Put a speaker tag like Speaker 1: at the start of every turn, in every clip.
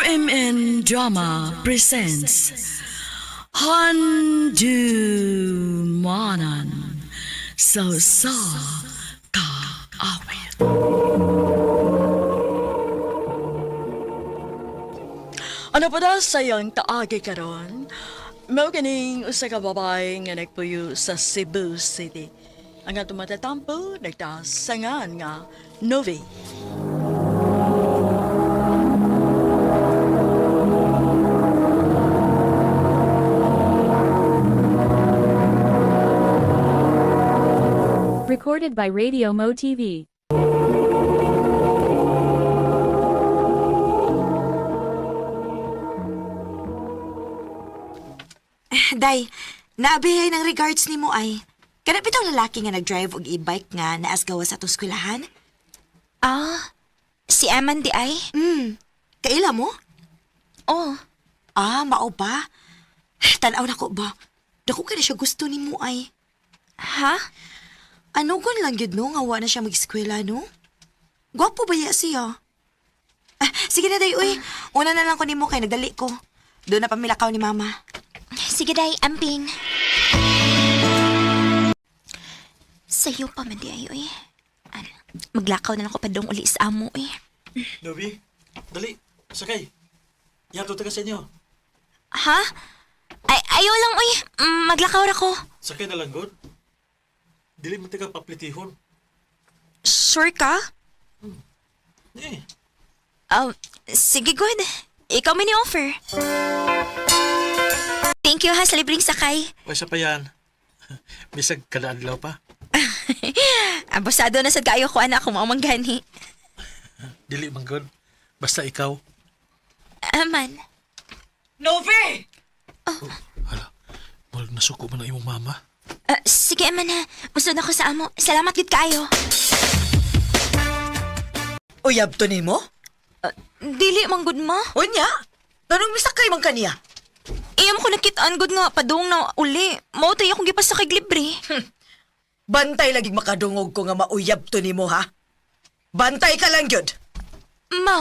Speaker 1: RMN Drama presents Handumanan Sa Kaawit. Ano pa daw sayang kaagi karon? Mao kining usa ka babae nga nagpuyo sa Cebu City. Ang atong matatampo nagtasangan nga Novi.
Speaker 2: Recorded by Radio Mo TV.
Speaker 3: Day, naabihay ng regards ni mo ay. Kana bitong lalaki nga nag-drive og e-bike nga naasgawa sa atong eskwelahan?
Speaker 4: Si Aman di ay?
Speaker 3: Kaila mo?
Speaker 4: Oh,
Speaker 3: Mao ba? Tanaw na ko ba? Dako ka na siya gusto ni mo ay.
Speaker 4: ha?
Speaker 3: Ano gun lang yun no, nga wa na siya mag-eskwela no? Gwapo ba ya siya? Sige na day, uy. Una na lang ko ni mo kay nagdali ko. Doon na pamilakaw ni mama.
Speaker 4: Sige day, amping. Sa'yo pa man di ay, uy. Maglakaw na lang ko pa dong uli sa amo, eh.
Speaker 5: Novi, dali, sakay. Yato taga sa inyo.
Speaker 4: Ha? Ayaw lang, uy. Maglakaw ra ko.
Speaker 5: Sakay na lang, God. Dili mo taga paplitihon.
Speaker 4: Sure ka?
Speaker 5: Eh,
Speaker 4: Sige, good. Ikaw may ni-offer. Thank you ha sa libreng sakay.
Speaker 5: pwesa pa yan. Bisag kada adlaw pa.
Speaker 4: Abusado na sa kayo ko anak kung mamanggani.
Speaker 5: Dili man, God. Basta ikaw.
Speaker 4: Aman.
Speaker 1: Novi!
Speaker 5: Hala, walang nasuko man ang imong mama.
Speaker 4: Sige, Aman ha. Musod ako sa amo. Salamat gid kayo.
Speaker 6: Uyab to ni mo?
Speaker 4: Dili manggod ma.
Speaker 6: Unya? Ganong misakay man kaniya?
Speaker 4: Iyam ko nakitaan gud nga padung na uli. Mao tay akong gipasakay libre.
Speaker 6: Bantay lagi makadungog ko nga mauyab to ni mo ha? Bantay ka lang yun.
Speaker 4: Ma.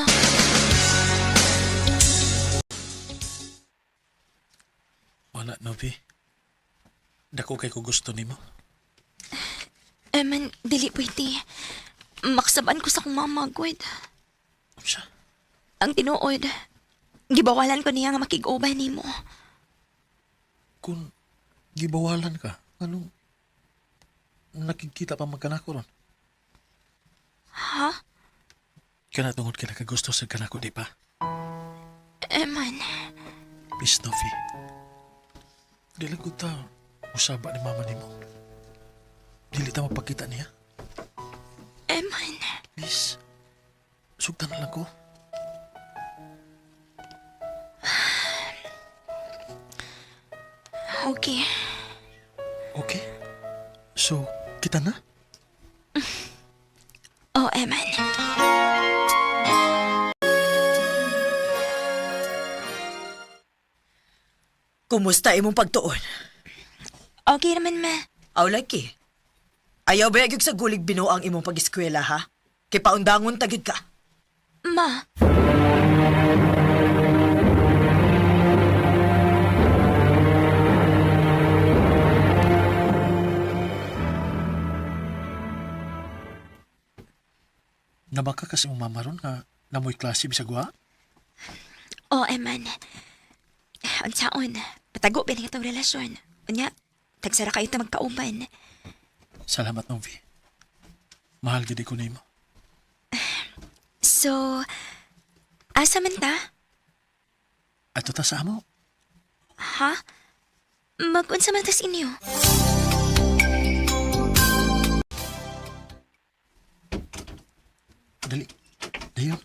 Speaker 5: Wala, Novi. Dako kay ko gusto nimo.
Speaker 4: Aman, dili pwede. Maksaban ko sa kong mama, Gwed.
Speaker 5: Siya.
Speaker 4: Ang tinuod, gibawalan ko niya nga makig-uban ni mo.
Speaker 5: Kung gibawalan ka, anong nakikita pa magkanako ron?
Speaker 4: Ha?
Speaker 5: Kana tungod ka nakagusto sa kanako, di pa?
Speaker 4: Aman,
Speaker 5: Please, Novi. Dili ko ta usaba ni mama nimo. Dili ta mapakita niya.
Speaker 4: Aman.
Speaker 5: Please. Sugtan na lang ko.
Speaker 4: Okay.
Speaker 5: Okay? So, kita na?
Speaker 4: Oh, Aman.
Speaker 6: Kumusta imong pagtuon?
Speaker 4: Okay naman, ma.
Speaker 6: Aw laki. Ayaw ba yung sa gulig binuo ang imong pag-eskwela ha? Kay paundangon tagid ka.
Speaker 4: Ma.
Speaker 5: Nabaka kasi mong mama ron nga namoy klase bisag wa?
Speaker 4: Oh, Aman. Unsaon, patago ba nga itong relasyon? Unya, tagsara kayo ta magkauban.
Speaker 5: Salamat, Novi. Mahal gid ko nimo.
Speaker 4: So, asa man ta?
Speaker 5: Ato ta sa amo.
Speaker 4: Ha? Mag-unsa man tas inyo?
Speaker 5: Dali. Dayon.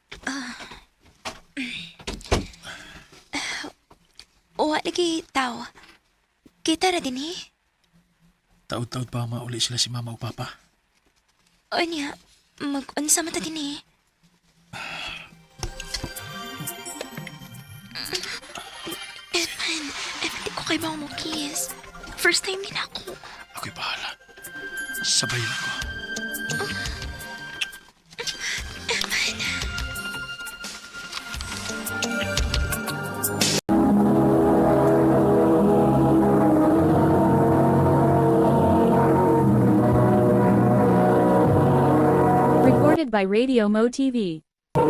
Speaker 4: O, lagi tao. Kita ra din eh.
Speaker 5: Taod-taod pa mauli sila si mama o papa.
Speaker 4: O niya, mag-unsa man ta din eh. Eman, di ko kay ba mo kiss. First time din ako.
Speaker 5: Ako'y bahala. Sabayin ko.
Speaker 4: Eman.
Speaker 2: Recorded by Radio Mo TV.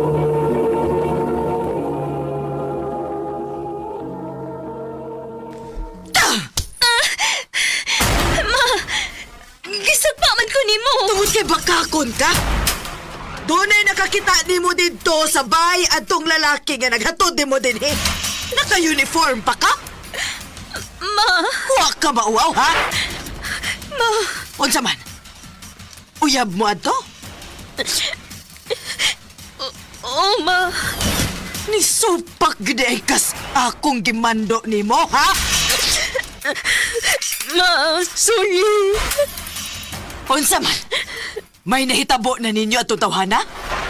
Speaker 4: Gisagpaman ko nimo.
Speaker 6: Tungod kay bakakon ka? Doon ay nakakita ni mo dito sa bay at tong lalaki nga naghatod ni mo din eh. Naka-uniform pa ka?
Speaker 4: Ma,
Speaker 6: Huwag ka mauaw, ha?
Speaker 4: ma,
Speaker 6: Unsa man? Uyab mo ato?
Speaker 4: oh ma.
Speaker 6: Ni supak gid ay kas akong gimando nimo, ha?
Speaker 4: Ma, sorry.
Speaker 6: Unsa man? May nahitabo na ninyo at tawhana?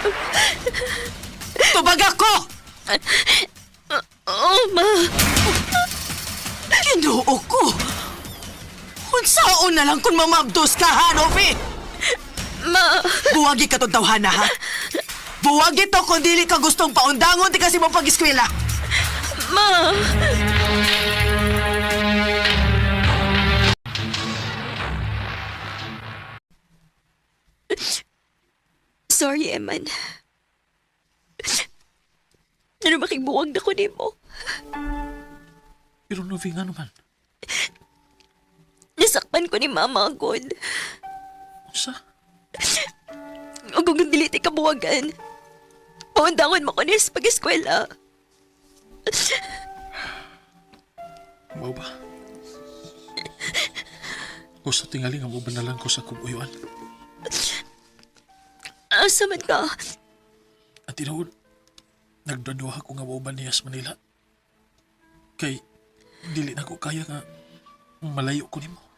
Speaker 6: Tubag ako!
Speaker 4: Oh ma.
Speaker 6: Ginoo ko! Unsaon na lang kung mamabdos ka, ha, Novi?
Speaker 4: Ma,
Speaker 6: Buwagi ka tong tawhana, ha? Buwagi to kung dili ka gustong paundangon ti kasi mo pag-eskwela.
Speaker 4: ma. Sorry, Eman. Ano makigbuwag na ko nimo?
Speaker 5: Pero Novi nga naman.
Speaker 4: Nasakpan ko ni Mama agad.
Speaker 5: Usa?
Speaker 4: O kung dili ti kabuwagan, paundangon mo ko niya sa pag-eskwela.
Speaker 5: Mao ba? O sa tingali nga mo banalan ko sa kubuyuan.
Speaker 4: Asa man ka?
Speaker 5: At tinuod, nagdaduha ko nga mauban niya sa Manila. Kay, dili na ko kaya nga malayo ko nimo.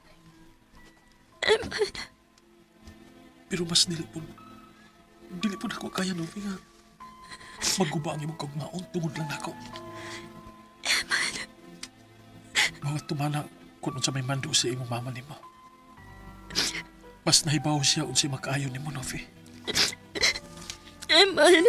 Speaker 5: Pero mas dili po ako kaya, Novi, nga maguba ang imong kagmaon tungod lang nako. Mga tumala kung sa may mando sa imong mama nimo. Mas nahibaw siya unsi makaayon nimo, Novi.
Speaker 4: Eman.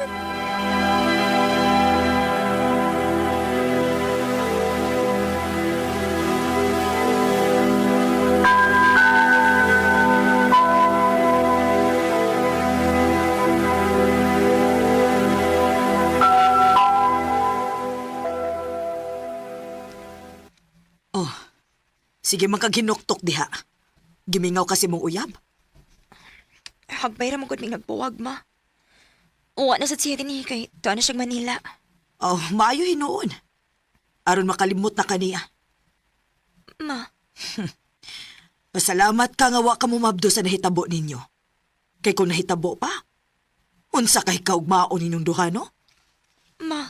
Speaker 6: Oh, sige man kag hinuktok diha. Gimingaw kasi mong uyab.
Speaker 4: Hagbay ra mo gud mig nagbuwag, ma. Uwa na sa siya din kay tuwa na siya Manila.
Speaker 6: Oh, maayo hinuon. Aron makalimot na kaniya.
Speaker 4: Ma,
Speaker 6: Pasalamat ka nga wa ka mo mabdo sa nahitabo ninyo. Kay kung nahitabo pa, unsa kay kaugmaon ninyong duha, no?
Speaker 4: ma.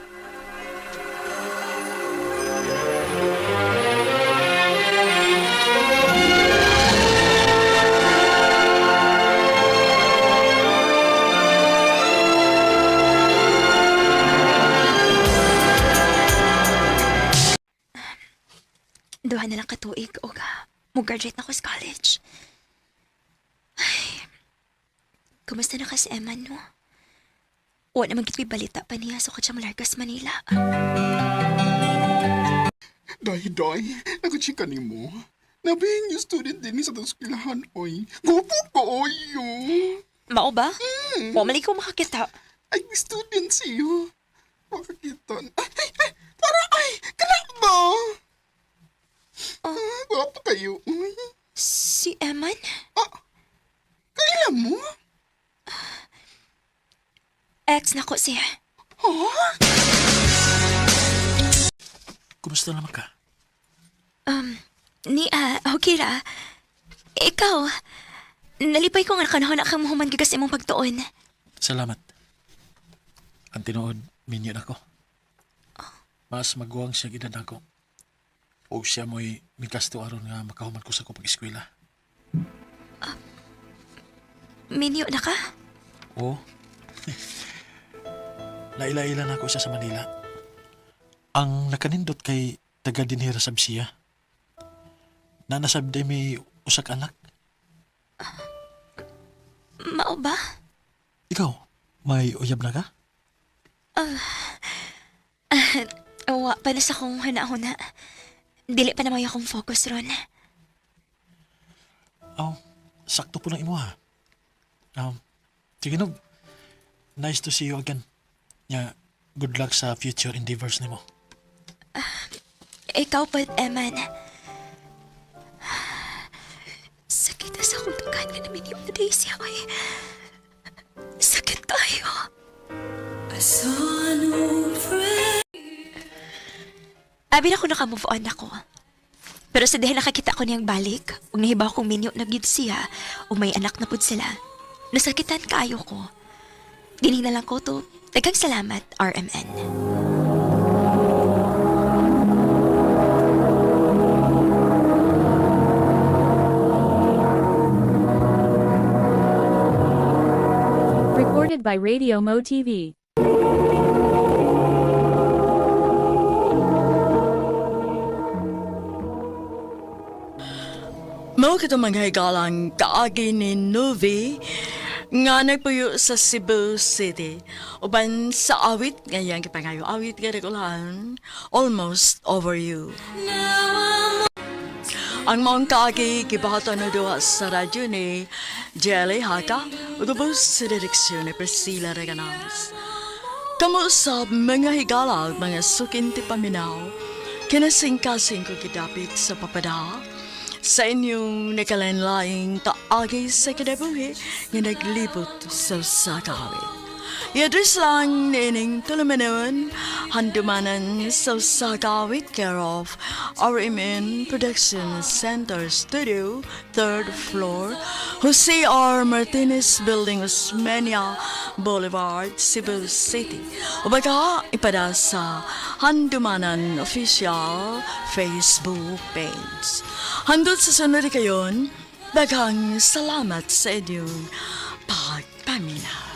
Speaker 4: Duha na lang katuig o mo graduate na ko sa college. Ay, kumusta na ka si Eman, no? Wala naman kito'y balita pa niya sa katsang largas Manila.
Speaker 7: Day, nagachika ni mo. Nabing yung student din ni sa eskwelahan, oy. Gopo ko, oy, yo.
Speaker 4: Mao ba? Wala ko makakita.
Speaker 7: Ay, may student siyo. Makakita. Ay, para, kalak ba? Gopo kayo, oy.
Speaker 4: Si Eman?
Speaker 7: Kailan mo?
Speaker 4: Ex na ko siya.
Speaker 5: Kumusta naman ka?
Speaker 4: Okay ra. Ikaw, nalipay ko nga kanahon na kang mahuman gigas imong pagtuon.
Speaker 5: Salamat. Ang tinuod, minyo na ko. Mas maguwang siya gidad ako. O siya mo'y mikasto aron nga makahuman ko sa kupag eskwela.
Speaker 4: Minyo na ka?
Speaker 5: Oo. Laila-ila na ako siya sa Manila. Ang nakanindot kay taga dinhira sa Bisiya. Nanasabday may usak anak.
Speaker 4: Mao ba?
Speaker 5: Ikaw, may uyab na ka?
Speaker 4: Wa pa na sa kong hana-huna. Dili pa naman akong focus ron.
Speaker 5: Sakto po lang imo ha. Sige, Nog. Nice to see you again. Yeah, good luck sa future endeavors nimo.
Speaker 4: Ikaw pa, Eman. Sakit na sa akong tugan nga namin yung Daisy, oy. Sakit kayo. Abi na ko naka-move on ako. Pero sa dahil nakakita ko niyang balik, ug nahibaw kong minyo na gyud siya, o may anak na pud sila, nasakitan kaayo ko. Dining na lang ko to. Daghang salamat, RMN.
Speaker 2: Recorded by Radio Mo TV.
Speaker 1: Mao kita manghigalang kaagi ni Novi nga nagpuyo sa Cebu City. Uban sa awit ngayang kipangayo awit nga regulahan, Almost Over You. Ang mga kaagi kibahatan na doha sa radyo ni Jelly Haka ugubos sa direksyon ni Priscilla Reganas. Kamu sa mga higala mga sukinti paminaw, kinasing-kasing ko kidapit sa papada sa inyong nakalanlaing taagi sa kinabuhi nga naglibot sa sakawit. I-address lang nining tulumanon, handumanan sa sakawit care of RMN Production Center Studio, 3rd floor, Jose R. Martinez Building, Osmeña Boulevard, Cebu City. O baka ipada sa Handumanan Official Facebook page. Handot sa sunod kayon, daghang salamat sa inyong pagpaminaw.